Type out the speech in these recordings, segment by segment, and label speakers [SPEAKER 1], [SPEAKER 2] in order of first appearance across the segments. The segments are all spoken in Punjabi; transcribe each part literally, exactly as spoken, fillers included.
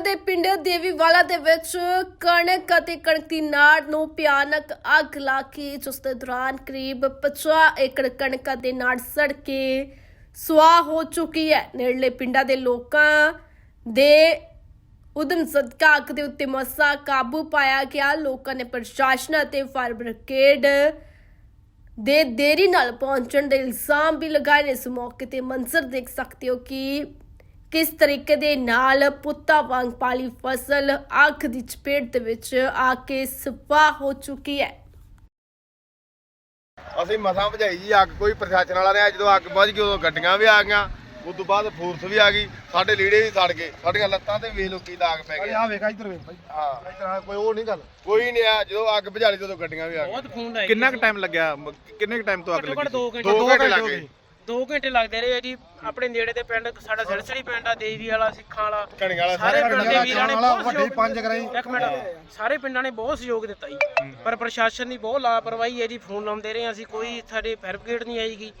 [SPEAKER 1] ਦੇ ਪਿੰਡ ਦੇਵੀਵਾਲਾ ਦੇ ਵਿੱਚ ਕਣਕ ਅਤੇ ਕਣਕ ਦੀ ਨਾੜ ਨੂੰ ਭਿਆਨਕ ਅੱਗ ਲਾ ਕੇ ਜਿਸ ਦੇ ਦੌਰਾਨ ਕਰੀਬ ਪਚਾਸ ਏਕੜ ਕਣਕ ਦੇ ਨਾੜ ਸੜ ਕੇ ਸੁਆਹ ਹੋ ਚੁੱਕੀ ਹੈ। ਨੇੜਲੇ ਪਿੰਡਾਂ ਦੇ ਲੋਕਾਂ ਦੇ ਉਦਮ ਸਦਕਾ ਅੱਗ ਦੇ ਉੱਤੇ ਮਸਾ ਕਾਬੂ ਪਾਇਆ ਗਿਆ। ਲੋਕਾਂ ਨੇ ਪ੍ਰਸ਼ਾਸਨ ਅਤੇ ਫਾਇਰ ਬ੍ਰਿਗੇਡ ਦੇ ਦੇਰੀ ਨਾਲ ਪਹੁੰਚਣ ਦੇ ਇਲਜ਼ਾਮ ਵੀ ਲਗਾਏ ਨੇ। ਇਸ ਮੌਕੇ ਤੇ ਮੰਜ਼ਰ ਦੇਖ ਸਕਦੇ ਹੋ ਕਿ किस तरीके दे नाल पुत्ता वांग पाली फसल अग की चपेट दे विच आके सफाह हो चुकी है।
[SPEAKER 2] ਅਸੀਂ ਮਸਾਂ ਭਜਾਈ ਜੀ ਅੱਗ, ਕੋਈ ਪ੍ਰਸ਼ਾਸਨ ਵਾਲਾ ਨਹੀਂ। ਜਦੋਂ ਅੱਗ ਬੁਝ ਗਈ ਉਦੋਂ ਗੱਡੀਆਂ ਵੀ ਆ ਗਈਆਂ, ਉਸ ਤੋਂ ਬਾਅਦ ਫੋਰਸ ਵੀ ਆ ਗਈ, ਸਾਡੇ ਲੀੜੇ ਵੀ ਸੜ ਗਏ, ਸਾਡੀਆਂ ਲੱਤਾਂ ਤੇ ਵੇਖ ਲੋ ਕੀ ਦਾਗ ਪੈ ਗਏ।
[SPEAKER 3] ਆ ਵੇਖ ਇੱਧਰ ਵੇਖ ਭਾਈ,
[SPEAKER 2] ਹਾਂ
[SPEAKER 3] ਇੱਧਰ ਕੋਈ ਉਹ ਨਹੀਂ ਗੱਲ,
[SPEAKER 2] ਕੋਈ ਨਹੀਂ ਆ। ਜਦੋਂ ਅੱਗ ਬੁਝਾਲੀ ਉਦੋਂ ਗੱਡੀਆਂ ਵੀ ਆ ਗਈਆਂ।
[SPEAKER 4] ਕਿੰਨਾ ਕੁ ਟਾਈਮ ਲੱਗਿਆ, ਕਿੰਨੇ ਕੁ ਟਾਈਮ ਤੋਂ ਅੱਗ ਲੱਗੀ?
[SPEAKER 2] ਦੋ ਘੰਟੇ ਲੱਗ ਗਏ।
[SPEAKER 5] ਦੋ ਘੰਟੇ ਲੱਗਦੇ ਰਹੇ ਜੀ। ਆਪਣੇ ਨੇੜੇ ਦੇ ਪਿੰਡ ਸਾਡਾ ਸਿਲਸਲੀ ਪਿੰਡ ਆ, ਦੇਵੀ ਵਾਲਾ, ਸਿੱਖਾਂ ਵਾਲਾ,
[SPEAKER 2] ਕਣਕ ਵਾਲਾ,
[SPEAKER 5] ਸਾਰੇ ਪਿੰਡ ਦੇ ਵੀਰਾਂ ਨੇ ਬਹੁਤ
[SPEAKER 3] ਵੱਡੇ ਪੰਜ ਕਰਾਈ।
[SPEAKER 5] ਇੱਕ ਮਿੰਟ, ਸਾਰੇ ਪਿੰਡਾਂ ਨੇ ਬਹੁਤ ਸਹਿਯੋਗ ਦਿੱਤਾ ਜੀ, ਪਰ ਪ੍ਰਸ਼ਾਸਨ ਦੀ ਬਹੁਤ ਲਾਪਰਵਾਹੀ ਹੈ ਜੀ। ਫੋਨ ਲਾਉਂਦੇ ਰਹੇ ਅਸੀਂ, ਕੋਈ ਸਾਡੇ ਫਾਇਰ ਬ੍ਰਿਗੇਡ ਨਹੀਂ ਆਈਗੀ,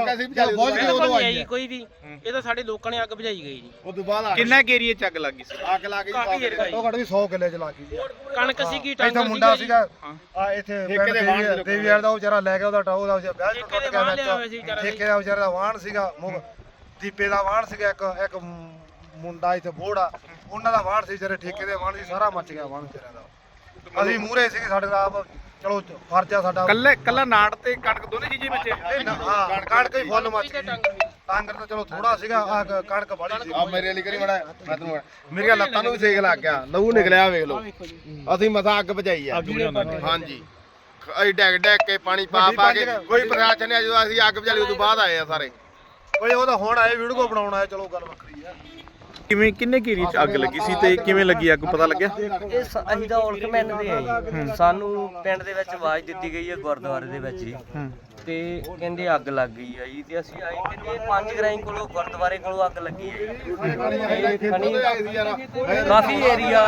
[SPEAKER 5] ਕੋਈ ਵੀ। ਇਹ ਤਾਂ ਸਾਡੇ ਲੋਕਾਂ ਨੇ ਅੱਗ ਬੁਝਾਈ ਗਈ ਜੀ।
[SPEAKER 2] ਉਸ ਤੋਂ ਬਾਅਦ
[SPEAKER 4] ਕਿੰਨਾ ਕੁ ਏਰੀਏ ਚ ਅੱਗ ਲੱਗੀ ਸੀ?
[SPEAKER 2] ਅੱਗ ਲਾ ਕੇ
[SPEAKER 5] ਕਾਫੀ ਏਰੀਆ
[SPEAKER 3] ਉਹ ਘੱਟ ਵੀ ਸੌ ਕਿੱਲੇ ਚ ਲਾ ਗਈ।
[SPEAKER 5] ਕਣਕ ਸੀਗੀ,
[SPEAKER 3] ਇੱਥੇ
[SPEAKER 5] ਟਾਂਗਰ
[SPEAKER 3] ਮੁੰਡਾ
[SPEAKER 5] ਸੀਗਾ
[SPEAKER 3] ਸੀਗਾ ਆ, ਇੱਥੇ ਦੇਵੀ ਵਾਲ ਦਾ ਉਹ ਵਿਚਾਰਾ ਲੈ ਗਿਆ, ਉਹਦਾ ਟਾਉ ਦਾ ਵਿਆਹ
[SPEAKER 5] ਠੇਕੇ ਦੇ ਵਾਹਣ ਲਿਆ ਹੋਇਆ ਸੀ ਵਿਚਾਰਾ।
[SPEAKER 3] ਠੇਕੇ ਦਾ ਵਿਚਾਰਾ ਦਾ ਵਾਹਣ ਸੀਗਾ, ਦੀਪੇ ਦਾ ਵਾਹਣ ਸੀਗਾ, ਇੱਕ ਇੱਕ ਮੁੰਡਾ ਇੱਥੇ ਬੋੜਾ, ਉਹਨਾਂ ਦਾ ਵਾਹਣ ਸੀ, ਜਿਹੜੇ ਠੇਕੇ ਦੇ ਵਾਹਣ ਸੀ, ਸਾਰਾ ਮੱਚ ਗਿਆ ਵਾਹਣ ਵਿਚਾਰਿਆਂ ਦਾ। ਅਸੀਂ ਮੂਹਰੇ ਸੀਗੇ, ਸਾਡੇ ਦਾ ਆਪ ਚਲੋ ਫਰਜ਼ ਆ ਸਾਡਾ।
[SPEAKER 4] ਕੱਲੇ ਕੱਲਾ ਨਾੜ ਤੇ ਕਣਕ ਦੋਨੇ ਚੀਜ਼ਾਂ ਬੱਚੇ?
[SPEAKER 3] ਹਾਂ, ਕਣਕ ਹੀ ਫੁੱਲ ਮੱਚ ਗਈ। ਟਾਂਗਰ ਤਾਂ ਚਲੋ ਥੋੜਾ ਸੀਗਾ, ਆ ਕਣਕ ਬੜੀ ਸੀ।
[SPEAKER 2] ਆ ਮੇਰੇ ਵਾਲੀ ਕਰੀ ਮੜਾ, ਮੈਂ ਤੈਨੂੰ ਮੇਰੀਆਂ ਲੱਤਾਂ ਨੂੰ ਵੀ ਸੇਕ ਲੱਗ ਗਿਆ, ਲਹੂ ਨਿਕਲਿਆ ਵੇਖ ਲਓ। ਅਸੀਂ ਮਸਾਂ ਅੱਗ ਬੁਝਾਈ ਆ। ਹਾਂਜੀ, ਅਸੀਂ ਡੈਗ ਡੈਗ ਕੇ ਪਾਣੀ ਪਾ ਪਾ ਕੇ, ਕੋਈ ਪ੍ਰਸ਼ਾਸਨ ਨਹੀਂ। ਜਦੋਂ ਅਸੀਂ ਅੱਗ ਬੁਝਾਲੀ ਉਦੋਂ ਬਾਅਦ ਆਏ ਆ ਸਾਰੇ।
[SPEAKER 3] ਓਏ ਉਹ ਤਾਂ ਹੁਣ ਆਏ ਵੀਡੀਓ ਬਣਾਉਣ ਆਏ, ਚਲੋ ਗੱਲ ਵੱਖਰੀ ਆ।
[SPEAKER 4] ਕਿਵੇਂ ਕਿੰਨੇ ਕੁ ਏਰੀਏ ਚ ਅੱਗ ਲੱਗੀ ਸੀ ਤੇ ਕਿਵੇਂ ਲੱਗੀ ਅੱਗ, ਪਤਾ ਲੱਗਿਆ?
[SPEAKER 6] ਇਹ ਸ- ਅਸੀਂ ਤਾਂ ਔਲਖ ਮੈਨ ਦੇ ਆ ਜੀ। ਸਾਨੂੰ ਪਿੰਡ ਦੇ ਵਿੱਚ ਆਵਾਜ਼ ਦਿੱਤੀ ਗਈ ਹੈ ਗੁਰਦੁਆਰੇ ਦੇ ਵਿੱਚ ਜੀ, ਤੇ ਕਹਿੰਦੇ ਅੱਗ ਲੱਗ ਗਈ ਆ ਜੀ। ਤੇ ਅਸੀਂ ਆਏ, ਕਹਿੰਦੇ ਪੰਜ ਗਰਾਈ ਕੋਲੋਂ ਗੁਰਦੁਆਰੇ ਕੋਲੋਂ ਅੱਗ ਲੱਗੀ ਹੈ ਜੀ। ਤੇ ਖਣੀ ਕਾਫੀ ਏਰੀਆ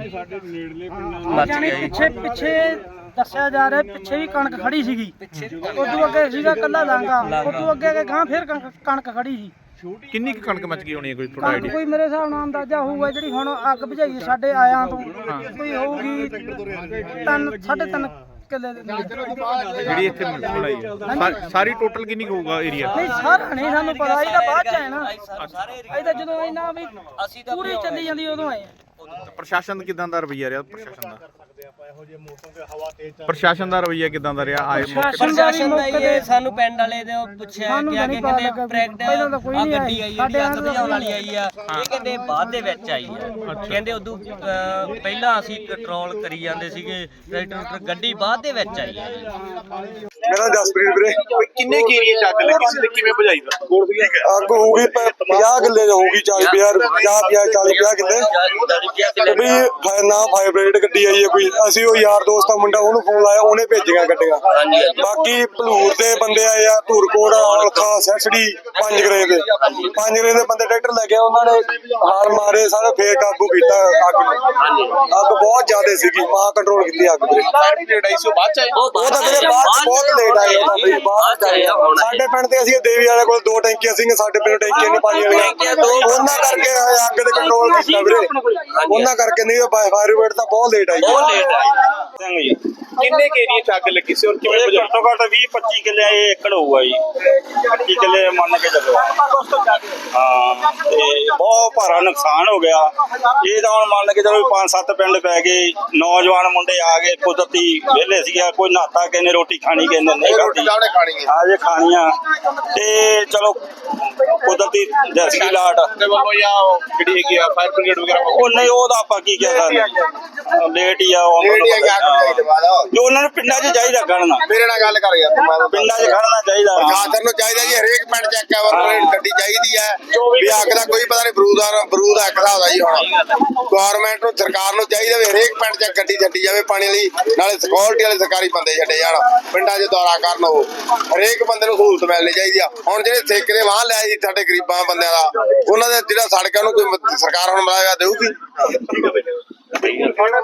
[SPEAKER 6] ਮੱਚ ਗਿਆ ਜੀ।
[SPEAKER 7] ਪਿੱਛੇ ਪਿੱਛੇ ਦੱਸਿਆ ਜਾ ਰਿਹਾ, ਪਿੱਛੇ ਵੀ ਕਣਕ ਖੜੀ ਸੀਗੀ, ਉਦੋਂ ਅੱਗੇ ਸੀਗਾ ਕੱਲਾ ਲਾਂਗਾ, ਉਦੋਂ ਅੱਗੇ ਅੱਗੇ ਗਾਂ ਫਿਰ ਕਣਕ ਕਣਕ ਖੜੀ ਸੀ।
[SPEAKER 4] ਕਿੰਨੀ ਕੁ ਕਣਕ ਮੱਚ ਗਈ ਹੋਣੀ ਹੈ, ਕੋਈ ਥੋੜਾ
[SPEAKER 7] ਕਣਕ
[SPEAKER 4] ਆਈਡੀਆ?
[SPEAKER 7] ਕੋਈ ਮੇਰੇ ਹਿਸਾਬ ਨਾਲ ਅੰਦਾਜ਼ਾ ਹੋਊਗਾ, ਜਿਹੜੀ ਹੁਣ ਅੱਗ ਬੁਝਾਈ ਸਾਡੇ ਆਇਆਂ ਤੋਂ ਕੋਈ ਹੋਊਗੀ ਤਿੰਨ ਸਾਢੇ ਤਿੰਨ ਕਿੱਲੇ ਦੇ ਨਾਲ।
[SPEAKER 4] ਜਿਹੜੀ ਇੱਥੇ ਬਣਾਈ ਹੈ ਸਾ- ਸਾਰੀ ਟੋਟਲ ਕਿੰਨੀ ਕੁ ਹੋਊਗਾ ਏਰੀਆ?
[SPEAKER 7] ਨਹੀਂ ਸਾਰਾ ਨਹੀਂ ਸਾਨੂੰ ਪਤਾ, ਇਹਦਾ ਬਾਅਦ ਚ ਆਏ ਨਾ।
[SPEAKER 6] ਸਾਰੇ ਏਰੀਆ
[SPEAKER 7] ਇਹਦਾ ਜਦੋਂ ਇਹਨਾਂ ਵੀ
[SPEAKER 6] ਅਸੀਂ ਤਾਂ
[SPEAKER 7] ਪੂਰੀ ਚੱਲੀ ਜਾਂਦੀ ਉਦੋਂ ਆਏ ਆ।
[SPEAKER 4] ਪ੍ਰਸ਼ਾਸਨ ਕਿਦਾਂ ਦਾ ਰਵੱਈਆ ਰਿਹਾ? ਪ੍ਰਸ਼ਾਸਨ ਦਾ ਪ੍ਰਸ਼ਾਸਨ ਦਾ ਰਵੱਈਆ ਕਿਦਾਂ ਦਾ ਰਿਹਾ? ਆਏ ਮੌਕੇ ਤੇ?
[SPEAKER 6] ਪ੍ਰਸ਼ਾਸਨ ਦਾ ਇਹ ਸਾਨੂੰ ਪਿੰਡ ਵਾਲੇ ਦੇ ਉਹ ਪੁੱਛਿਆ ਕਿ ਆ ਕੇ ਕਹਿੰਦੇ ਪ੍ਰੈਕਟ
[SPEAKER 7] ਪਹਿਲਾਂ ਤਾਂ ਕੋਈ
[SPEAKER 6] ਆ
[SPEAKER 7] ਨਹੀਂ
[SPEAKER 6] ਗੱਡੀ ਆਈ ਜਿਹੜੀ ਅੱਗ
[SPEAKER 7] ਸਾਡੇ
[SPEAKER 6] ਬੁਝਾਉਣ ਵਾਲੀ ਆਈ ਆ, ਇਹ ਕਹਿੰਦੇ ਬਾਅਦ ਦੇ ਵਿੱਚ ਆਈ ਆ। ਕਹਿੰਦੇ ਉਦੋਂ ਅਹ, ਪਹਿਲਾਂ ਅਸੀਂ ਕੰਟਰੋਲ ਕਰੀ ਜਾਂਦੇ ਸੀਗੇ, ਟਰੈਕਟਰ ਗੱਡੀ ਬਾਅਦ ਦੇ ਵਿੱਚ ਆਈ ਆ।
[SPEAKER 8] ਮੇਰਾ ਜਸਪ੍ਰੀਤ ਵੀਰੇ।
[SPEAKER 4] ਕਿੰਨੇ ਕੁ ਏਰੀਏ ਚ ਅੱਗ ਲੱਗੀ ਸੀ ਤੇ ਕਿਵੇਂ ਬੁਝਾਈ ਦਾ?
[SPEAKER 8] ਅੱਗ ਹੋਊਗੀ ਪੰਜਾਹ ਕਿੱਲੇ ਹੋਊਗੀ, ਚਾਲੀ ਪੰਜਾਹ ਪੰਜਾਹ ਪੰਜਾਹ ਚਾਲੀ ਪੰਜਾਹ ਕਿੱਲੇ ਵੀ। ਨਾ ਫਾਇਰ ਬ੍ਰਿਗੇਡ ਗੱਡੀ ਆਈ ਹੈ ਕੋਈ, ਅਸੀਂ ਉਹ ਯਾਰ ਦੋਸਤ ਦਾ ਮੁੰਡਾ, ਉਹਨੂੰ ਫੋਨ ਲਾਇਆ, ਉਹਨੇ ਭੇਜੀਆਂ ਗੱਡੀਆਂ। ਬਾਕੀ ਭਲੂਰ ਦੇ ਬੰਦੇ ਆਏ ਆ, ਧੂਰਕੋਟ, ਔਲਖਾ, ਸੈਸੜੀ, ਪੰਜ ਗਰੇ ਦੇ ਪੰਜ ਗਰੇ ਦੇ ਬੰਦੇ ਟਰੈਕਟਰ ਲੈ ਕੇ, ਉਹਨਾਂ ਨੇ ਹਾਰ ਮਾਰੇ ਸਾਰੇ, ਫੇਰ ਕਾਬੂ ਕੀਤਾ ਅੱਗ ਨੂੰ। ਅੱਗ ਬਹੁਤ ਜ਼ਿਆਦਾ ਸੀਗੀ, ਮਹਾ ਕੰਟਰੋਲ ਕੀਤੀ ਅੱਗ ਦੇ। ਉਹ ਤਾਂ ਵੀਰੇ ਬਾਅਦ ਚ ਬਹੁਤ ਲੇਟ ਆਏ, ਉਹ ਤਾਂ ਵੀਰੇ ਬਾਅਦ ਚ ਆਏ। ਸਾਡੇ ਪਿੰਡ ਤੇ ਅਸੀਂ ਦੇਵੀ ਵਾਲੇ ਕੋਲ ਦੋ ਟੈਂਕੀਆਂ ਸੀਗੀਆਂ, ਸਾਡੇ ਪਿੰਡ ਟੈਂਕੀਆਂ ਨਹੀਂ ਪਾਣੀ ਵਾਲੀਆਂ, ਉਹਨਾਂ ਕਰਕੇ ਅੱਗ ਦੇ ਕੰਟਰੋਲ ਕੀਤਾ ਵੀਰੇ। ਉਹਨਾਂ ਕਰਕੇ ਨਹੀਂ, ਫਾਇਰ ਬ੍ਰਿਗੇਡ ਤਾਂ ਬਹੁਤ ਲੇਟ ਆਈ।
[SPEAKER 4] ਕਿੰਨੇ ਕੁ ਏਰੀਏ ਚ ਅੱਗ ਲੱਗੀ ਸੀ ਔਰ ਕਿਵੇਂ ਬੁਝਾਈ?
[SPEAKER 9] ਘੱਟੋ ਘੱਟ ਵੀਹ ਪੱਚੀ ਕਿੱਲੇ ਇਹ ਏਕੜ ਹੋਊਗਾ ਜੀ, ਪੱਚੀ ਕਿੱਲੇ ਮੰਨ ਕੇ ਚੱਲੋ। ਹਾਂ, ਤੇ ਬਹੁਤ ਭਾਰਾ ਨੁਕਸਾਨ ਹੋ ਗਿਆ। ਇਹ ਤਾਂ ਹੁਣ ਮੰਨ ਕੇ ਚਲੋ ਪੰਜ ਸੱਤ ਪਿੰਡ ਪੈ ਗਏ, ਨੌਜਵਾਨ ਮੁੰਡੇ ਆ ਗਏ, ਕੁਦਰਤੀ ਵਿਹਲੇ ਸੀਗਾ, ਕੋਈ ਨਹਾਤਾ, ਕਿਸੇ ਨੇ ਰੋਟੀ ਖਾਣੀ, ਕਿਸੇ ਨੇ ਨਹੀਂ ਖਾਣੀ, ਆ ਜੇ ਖਾਣੀਆਂ। ਤੇ ਚਲੋ ਕੁਦਰਤੀ ਦੇਸੀ ਲਾਟ
[SPEAKER 2] ਜਿਹੜੀ ਹੈਗੀ ਆ ਫਾਇਰ ਬ੍ਰਿਗੇਡ ਵਗੈਰਾ,
[SPEAKER 9] ਉਹ ਨਹੀਂ, ਉਹਦਾ ਆਪਾਂ ਕੀ ਕਹਿ ਸਕਦੇ, ਲੇਟ ਹੀ ਆ ਉਹ। ਜੋ ਉਹਨਾਂ ਨੂੰ ਪਿੰਡਾਂ 'ਚ ਚਾਹੀਦਾ ਖੜਨਾ,
[SPEAKER 2] ਮੇਰੇ ਨਾਲ ਗੱਲ ਕਰ ਯਾਰ ਤੂੰ।
[SPEAKER 9] ਪਿੰਡਾਂ 'ਚ ਖੜਨਾ ਚਾਹੀਦਾ।
[SPEAKER 2] ਪ੍ਰਸ਼ਾਸਨ ਨੂੰ ਚਾਹੀਦਾ ਜੀ, ਹਰੇਕ ਪਿੰਡ ਚ ਇੱਕ ਗੱਡੀ ਚਾਹੀਦੀ ਹੈ ਵੀ। ਅੱਗ ਦਾ ਕੋਈ ਪਤਾ ਨਹੀਂ, ਬਰੂਦ ਦਾ ਬਰੂਦ ਅੱਗ ਦਾ ਹੁੰਦਾ ਜੀ। ਹੁਣ ਗੌਰਮੈਂਟ ਨੂੰ, ਸਰਕਾਰ ਨੂੰ ਚਾਹੀਦਾ ਵੀ ਹਰੇਕ ਪਿੰਡ ਚ ਗੱਡੀ ਛੱਡੀ ਜਾਵੇ ਪਾਣੀ ਵਾਲੀ, ਨਾਲੇ ਸਿਕਿਉਰਿਟੀ ਵਾਲੇ ਸਰਕਾਰੀ ਬੰਦੇ ਛੱਡੇ ਜਾਣ, ਪਿੰਡਾਂ 'ਚ ਦੌਰਾ ਕਰਨ। ਉਹ ਹਰੇਕ ਬੰਦੇ ਨੂੰ ਸਹੂਲਤ ਮਿਲਣੀ ਚਾਹੀਦੀ ਆ। ਹੁਣ ਜਿਹੜੇ ਠੇਕੇ ਦੇ ਵਾਹਨ ਲਿਆ ਜੀ ਸਾਡੇ ਗਰੀਬਾਂ ਬੰਦਿਆਂ ਦਾ, ਉਹਨਾਂ ਦੇ ਜਿਹੜਾ ਸੜਕਾਂ ਨੂੰ ਕੋਈ ਸਰਕਾਰ ਹੁਣ ਮਿਲਾਇਆ ਦੇਊਗੀ।